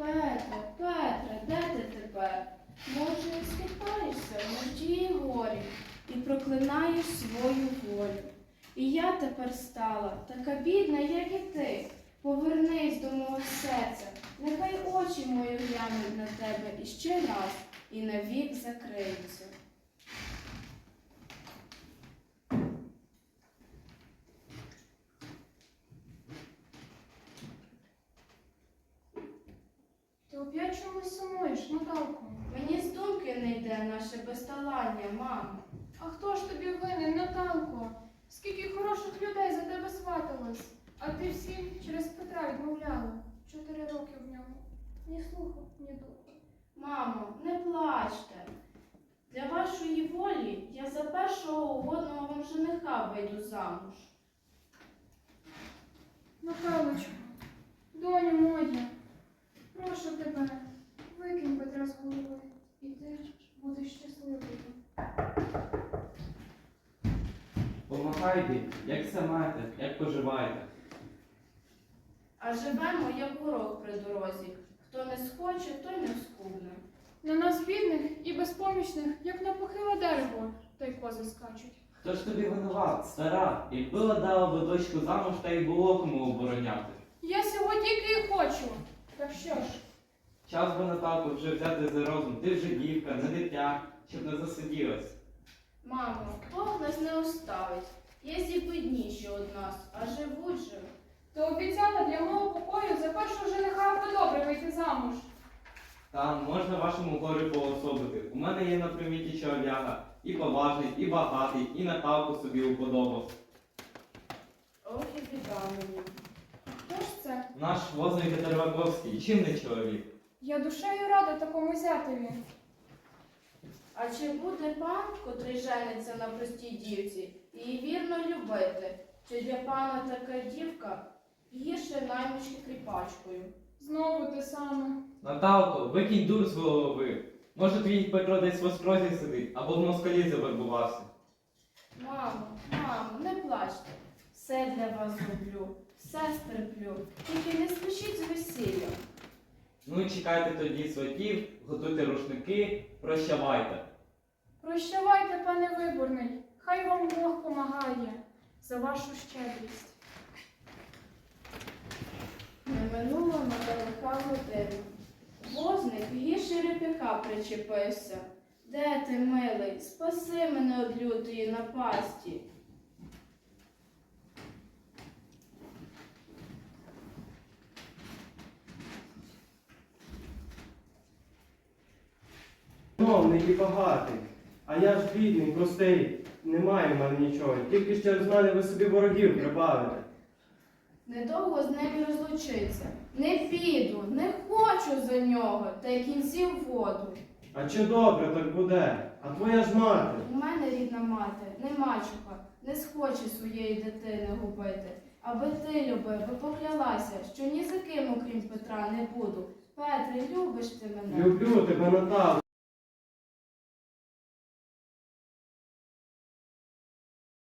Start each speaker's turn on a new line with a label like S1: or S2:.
S1: Петре, де ти тепер? Може, схитаєшся в нужді і горі і проклинаєш свою волю. І я тепер стала така бідна, як і ти. Повернись до мого серця, нехай очі мої глянуть на тебе іще раз і навік закриються.
S2: Ти оп'ять чомусь сумуєш, Наталко?
S1: Мені з думки не йде наше безталання, мамо.
S2: А хто ж тобі винен, Наталко? Скільки хороших людей за тебе сваталось, а ти всім через Петра відмовляла. 4 роки в ньому. Ні слуху, ні духу.
S1: Мамо, не плачте. Для вашої волі я за першого угодного вам жениха вийду замуж.
S2: Наталочко, доню моя, прошу тебе, викинь Петра з голови, і ти будеш щасливою.
S3: Помагайте, як все маєте, як поживаєте.
S1: А живемо, як горох при дорозі. Хто не схоче, той не вскубне.
S2: На нас бідних і безпомічних, як на похиле дерево, та й кози скачуть.
S3: Хто ж тобі винуват, стара? Якби ладала би дочку замуж, та й було кому обороняти.
S2: Я сього тільки і хочу. Так що ж?
S3: Час би, Наталко, вже взяти за розум. Ти вже дівка, не дитя, щоб не засиділась.
S1: Мамо, Бог нас не оставить. Є бідніші од нас, а живуть же.
S2: То обіцяла для мого покою за першого жениха би добре вийти замуж.
S3: Там можна вашому горі поособити. У мене є на приміті чолов'яга. І поважний, і багатий, і Наталку собі уподобав.
S1: Ох і біда мені.
S2: Хто ж це?
S3: Наш возний Терваковський, чим не чоловік?
S2: Я душею рада такому зятеві.
S1: А чи буде пан, котрий жениться на простій дівці, її вірно любити? Чи для пана така дівка гірше наймички кріпачкою?
S2: Знову те саме.
S3: Наталко, викинь дур з голови. Може, твій Петро десь в острозі сидить, або в москалі завербувався.
S1: Мамо, не плачте. Все для вас зроблю, все стерплю. Тільки не спішіть з весіллям.
S3: Ну і чекайте тоді сватів, готуйте рушники, прощавайте.
S2: Прощавайте, пане виборний. Хай вам Бог помагає за вашу щедрість.
S1: Не минуло недалека година. Возник гірше реп'яка причепився. Де ти, милий, спаси мене од лютої напасті.
S4: Шановний і багатий, а я ж бідний, простий, немає в мене нічого. Тільки ж через мене ви собі ворогів прибавите.
S1: Недовго з ним розлучиться. Не піду, не хочу за нього, та й кінців воду.
S4: А чи добре так буде? А твоя ж мати?
S1: У мене рідна мати, не мачуха, не схоче своєї дитини губити. Аби ти любив, би поклялася, що ні за ким, окрім Петра, не буду. Петре, любиш ти мене?
S4: Люблю тебе, Наталко,